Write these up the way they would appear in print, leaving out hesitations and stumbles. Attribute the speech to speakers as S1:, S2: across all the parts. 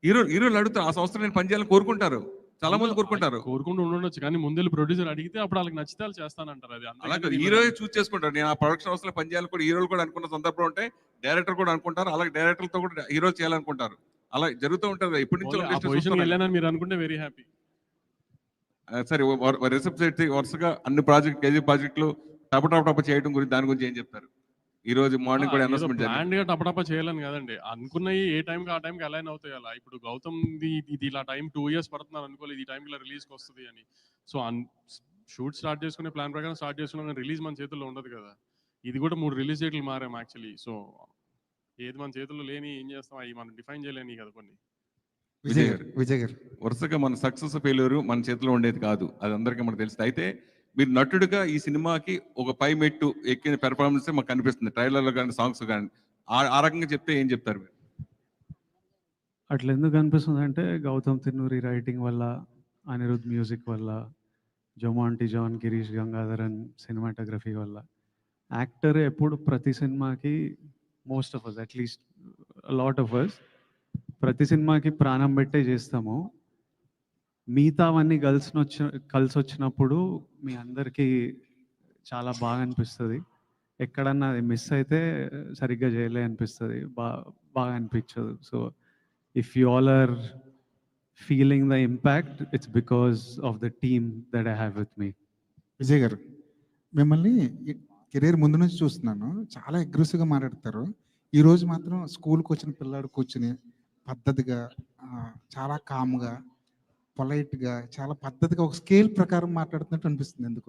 S1: హీరోలు అడుగుతారు, ఆ సంవత్సరం నేను పనిచేయాలని కోరుకుంటారు, చాలా మంది కోరుకుంటారు.
S2: కోరుకుంటూ ఉండొచ్చు, కానీ ముందు ప్రొడ్యూసర్ అడిగితే అప్పుడు వాళ్ళకి నచ్చితే వాళ్ళు చేస్తానంటారు. అది
S1: అలాగే హీరో చూస్ చేసుకుంటారు. నేను ఆ ప్రొడక్షన్ హౌస్ లో పనిచేయాలని కూడా హీరోలు కూడా అనుకున్న సందర్భం ఉంటే డైరెక్టర్ కూడా అనుకుంటారు, అలాగే డైరెక్టర్తో కూడా హీరో చేయాలనుకుంటారు. అలా జరుగుతూ ఉంటుంది. ఇప్పటి నుంచి
S2: మీరు అనుకుంటే వెరీ హ్యాపీ.
S1: సరే, రిసెప్ట్ వరుసగా అన్ని కేజీ ప్రాజెక్టులు టప చేయడం గురించి, దాని గురించి ఏం చెప్తారు? ఈ రోజు మార్నింగ్ కూడా అనౌన్స్మెంట్
S2: ప్లాన్డ్ గా టపటప చేయాలని కదండి, అనుకున్నవి ఏ టైంకి ఆ టైంకి అలైన్ అవుతాయి. అలా ఇప్పుడు గౌతమ్ ఇది ఇలా టైం 2 years పడుతున్నారు అనుకోలేదు ఈ టైంకి ఇలా రిలీజ్కి వస్తుంది అని. సో షూట్ స్టార్ట్ చేసుకునే ప్లాన్ ప్రకారం స్టార్ట్ చేసుకున్నాం, కానీ రిలీజ్ మన చేతుల్లో ఉండదు కదా. ఇది కూడా 3 రిలీజ్ డేట్లు మారాం యాక్చువల్లీ. సో ఏది మన చేతుల్లో లేని ఏం చేస్తాం, అవి మనం డిఫైన్ చేయలేని కదా కొన్ని.
S1: విజయ్ గారు, వరుసగా మన సక్సెస్ ఫెయిల్యూర్ మన చేతిలో ఉండేది కాదు, అది అందరికీ మనకు తెలుస్తుంది. అయితే మీరు నటుడిగా ఈ సినిమాకి ఒక పై మెట్టు ఎక్కిన పెర్ఫార్మెన్స్ మాకు కనిపిస్తుంది, ట్రైలర్లో కానీ సాంగ్స్ కానీ. ఆ రకంగా చెప్తే ఏం చెప్తారు మీరు?
S3: అట్లా ఎందుకు అనిపిస్తుంది అంటే, గౌతమ్ తిన్నూరి రైటింగ్ వల్ల, అనిరుద్ మ్యూజిక్ వల్ల, జొమాంటి జాన్, గిరీష్ గంగాధరన్ సినిమాటోగ్రఫీ వల్ల. యాక్టర్ ఎప్పుడు ప్రతి సినిమాకి, most of us at least lot of us, ప్రతి సినిమాకి ప్రాణం పెట్టే చేస్తాము. మిగతావన్నీ కలిసి వచ్చినప్పుడు మీ అందరికీ చాలా బాగా అనిపిస్తుంది. ఎక్కడన్నా అది మిస్ అయితే సరిగ్గా చేయలే అనిపిస్తుంది, బాగా అనిపించదు. So if you all are feeling the impact, it's because of the team that I have with me.
S4: Vijay garu, మిమ్మల్ని కెరీర్ ముందు నుంచి చూస్తున్నాను, చాలా అగ్రెసివ్గా మాట్లాడతారు. ఈరోజు మాత్రం స్కూల్కి వచ్చిన పిల్లాడు కూర్చుని పద్ధతిగా, చాలా కామ్గా, పొలైట్గా, చాలా పద్ధతిగా ఒక స్కేల్ ప్రకారం మాట్లాడుతున్నట్టు అనిపిస్తుంది. ఎందుకో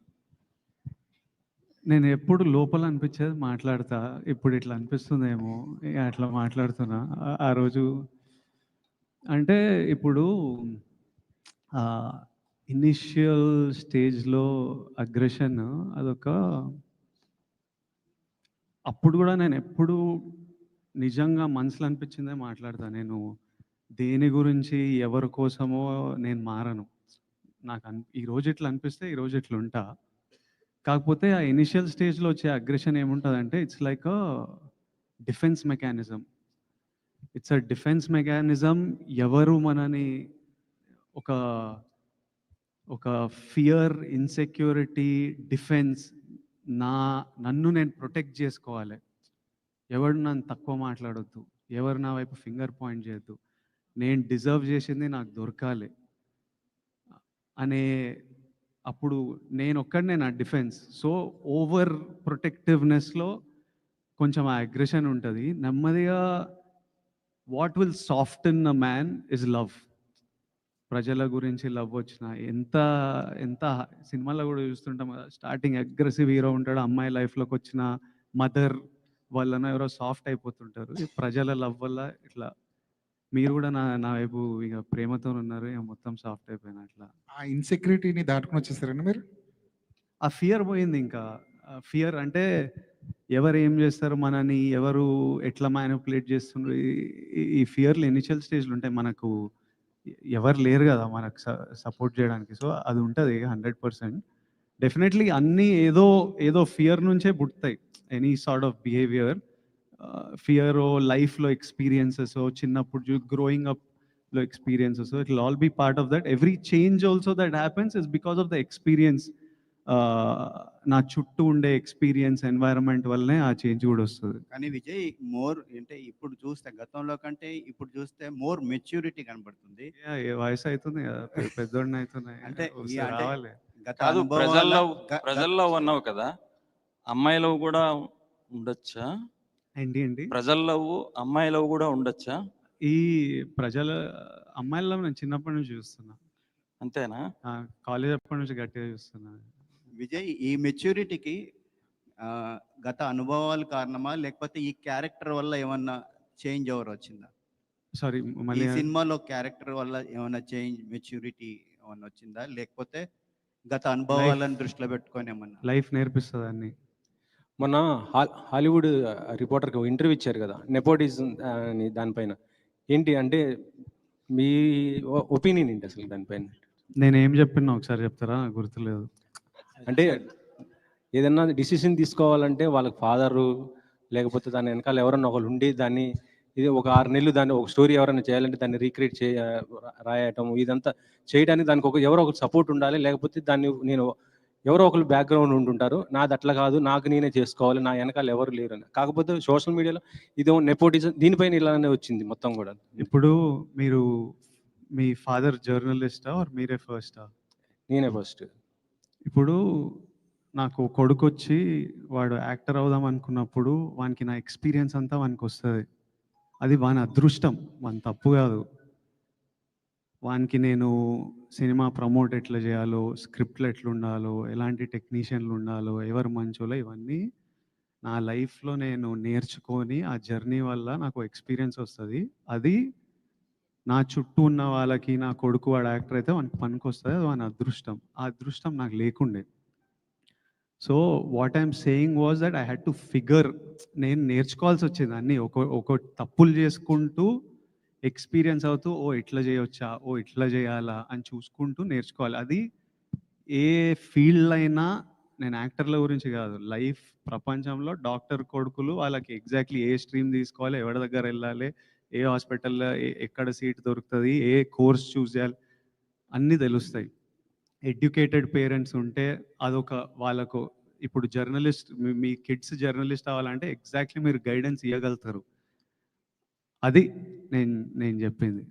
S3: నేను ఎప్పుడు లోపల అనిపించేది మాట్లాడతా, ఇప్పుడు ఇట్లా అనిపిస్తుందేమో అట్లా మాట్లాడుతున్నా. ఆ రోజు అంటే ఇప్పుడు ఇనిషియల్ స్టేజ్లో అగ్రెషన్ అదొక, అప్పుడు కూడా నేను ఎప్పుడు నిజంగా మనసులో అనిపించిందే మాట్లాడతా. నేను దేని గురించి ఎవరి కోసమో నేను మారను. నాకు ఈరోజు ఇట్లా అనిపిస్తే ఈరోజు ఇట్లా ఉంటా. కాకపోతే ఆ ఇనిషియల్ స్టేజ్లో వచ్చే అగ్రెషన్ ఏముంటుందంటే, it's like a defence mechanism. It's a defence mechanism. ఎవరు మనని ఒక ఫియర్, ఇన్సెక్యూరిటీ, డిఫెన్స్, నన్ను నేను ప్రొటెక్ట్ చేసుకోవాలి. ఎవరు నన్ను తక్కువ మాట్లాడొద్దు, ఎవరు నా వైపు ఫింగర్ పాయింట్ చేయొద్దు, నేను డిజర్వ్ చేసింది నాకు దొరకాలి అనే, అప్పుడు నేను ఒక్కడనే నా డిఫెన్స్. సో ఓవర్ ప్రొటెక్టివ్నెస్లో కొంచెం ఆ అగ్రెషన్ ఉంటుంది. నెమ్మదిగా what will soften a man is love. ప్రజల గురించి లవ్ వచ్చిన, ఎంత సినిమాలో కూడా చూస్తుంటాం కదా, స్టార్టింగ్ అగ్రెసివ్ హీరో ఉంటాడు, అమ్మాయి లైఫ్లోకి వచ్చిన మదర్ వల్లన ఎవరో సాఫ్ట్ అయిపోతుంటారు. ప్రజల లవ్ వల్ల ఇట్లా మీరు కూడా నా వైపు ఇక ప్రేమతో ఉన్నారు, ఇక మొత్తం సాఫ్ట్ అయిపోయినా. అట్లా
S4: ఆ ఇన్సెక్యూరిటీని దాటుకుని వచ్చేసారండి మీరు?
S3: ఆ ఫియర్ పోయింది. ఇంకా ఫియర్ అంటే ఎవరు ఏం చేస్తారు మనని, ఎవరు ఎట్లా మ్యానిపులేట్ చేస్తున్నారు, ఈ ఫియర్లు ఇనిషియల్ స్టేజ్లు ఉంటాయి. మనకు ఎవరు లేరు కదా మనకు సపోర్ట్ చేయడానికి. సో అది ఉంటుంది 100%. డెఫినెట్లీ అన్నీ ఏదో ఫియర్ నుంచే పుడతాయి. Any sort of behaviour, fear లైఫ్లో ఎక్స్పీరియన్సెస్, చిన్నప్పుడు గ్రోయింగ్ అప్లో experiences, it will all be part of that. Every change also that happens is because of the experience. నా చుట్టూ ఉండే ఎక్స్పీరియన్స్, ఎన్వైరన్మెంట్ వల్లనే ఆ చేంజ్ కూడా వస్తుంది.
S5: కానీ విజయ్ మోర్ అంటే ఇప్పుడు చూస్తే, గతంలో కంటే ఇప్పుడు చూస్తే మోర్ మెచ్యూరిటీ కనబడుతుంది.
S3: వయసు అవుతుంది కదా, పెద్దోడిని అవుతున్నాయి
S5: అంటే
S3: రావాలి.
S6: కాదు, ప్రజల్లో ఉన్నావు కదా, అమ్మాయిలో కూడా ఉండొచ్చా?
S3: ఏంటి
S6: ప్రజల్లో అమ్మాయిలో కూడా ఉండొచ్చా?
S3: ఈ ప్రజల అమ్మాయిల్లో నేను చిన్నప్పటి నుంచి చూస్తున్నా.
S6: అంతేనా?
S3: కాలేజ్ అప్పటి నుంచి గట్టిగా చూస్తున్నా.
S5: విజయ్, ఈ మెచ్యూరిటీకి గత అనుభవాలు కారణమా, లేకపోతే ఈ క్యారెక్టర్ వల్ల ఏమన్నా చేంజ్ ఓవర్ వచ్చిందా?
S3: సారీ,
S5: ఈ సినిమాలో క్యారెక్టర్ వల్ల ఏమన్నా చేంజ్, మెచ్యూరిటీ ఏమన్నా వచ్చిందా, లేకపోతే గత అనుభవాలను దృష్టిలో పెట్టుకొని ఏమన్నా?
S3: లైఫ్ నేర్పిస్తుంది అన్ని.
S7: మొన్న హాలీవుడ్ రిపోర్టర్కి ఇంటర్వ్యూ ఇచ్చారు కదా, నెపోటిజం అని, దానిపైన ఏంటి అంటే మీ ఒపీనియన్ ఏంటి అసలు దానిపైన?
S3: నేనేం చెప్పినా ఒకసారి చెప్తారా? గుర్తులేదు.
S7: అంటే ఏదన్నా డిసిషన్ తీసుకోవాలంటే వాళ్ళకి ఫాదరు లేకపోతే దాని వెనకాల ఎవరన్నా ఒకళ్ళు ఉండి దాన్ని ఇది ఒక 6 నెలలు దాన్ని ఒక స్టోరీ ఎవరైనా చేయాలంటే దాన్ని రీక్రియేట్ రాయటం ఇదంతా చేయడానికి దానికి ఎవరో ఒకరు సపోర్ట్ ఉండాలి. లేకపోతే దాన్ని నేను ఎవరో ఒకరు బ్యాక్‌గ్రౌండ్ ఉంటుంటారు. నాది అట్లా కాదు, నాకు నేనే చేసుకోవాలి, నా వెనకాల ఎవరు లేరని. కాకపోతే సోషల్ మీడియాలో ఇదేమో నెపోటిజం దీనిపైన ఇలానే వచ్చింది మొత్తం కూడా.
S3: ఇప్పుడు మీరు మీ ఫాదర్ జర్నలిస్టా ఆర్ మీరే ఫస్టా?
S7: నేనే ఫస్ట్.
S3: ఇప్పుడు నాకు కొడుకొచ్చి వాడు యాక్టర్ అవుదాం అనుకున్నప్పుడు వానికి నా ఎక్స్పీరియన్స్ అంతా వానికొస్తది. అది వాని అదృష్టం, వాని తప్పు కాదు. వానికి నేను సినిమా ప్రమోట్ ఎట్లా చేయాలో, స్క్రిప్ట్లు ఎట్లుండాలో, ఎలాంటి టెక్నీషియన్లు ఉండాలో, ఎవరు మంచోలో ఇవన్నీ నా లైఫ్‌లో నేను నేర్చుకొని ఆ జర్నీ వల్ల నాకు ఎక్స్పీరియన్స్ వస్తది. అది నా చుట్టూ ఉన్న వాళ్ళకి నా కొడుకు వాడు యాక్టర్ అయితే వానికి పనికొస్తది. అది వాని అదృష్టం. ఆ అదృష్టం నాకు లేకుండే. So what I'm saying was that I had to figure, నేను నేర్చుకోవాల్సి వచ్చింది అన్నీ. ఒక తప్పులు చేసుకుంటూ ఎక్స్పీరియన్స్ అవుతూ ఓ ఇట్లా చేయొచ్చా, ఓ ఇట్లా చేయాలా అని చూసుకుంటూ నేర్చుకోవాలి. అది ఏ ఫీల్డ్ అయినా, నేను యాక్టర్ల గురించి కాదు, లైఫ్ ప్రపంచంలో డాక్టర్ కొడుకులు వాళ్ళకి ఎగ్జాక్ట్లీ ఏ స్ట్రీమ్ తీసుకోవాలి, ఎవరి దగ్గర వెళ్ళాలి, ఏ హాస్పిటల్లో ఎక్కడ సీట్ దొరుకుతుంది, ఏ కోర్స్ చూస్ చేయాలి అన్నీ తెలుస్తాయి. ఎడ్యుకేటెడ్ పేరెంట్స్ ఉంటే అదొక వాళ్ళకు, ఇప్పుడు జర్నలిస్ట్ మీ కిడ్స్ జర్నలిస్ట్ అవ్వాలంటే ఎగ్జాక్ట్లీ మీరు గైడెన్స్ ఇవ్వగలుగుతారు. అది నేను చెప్పింది.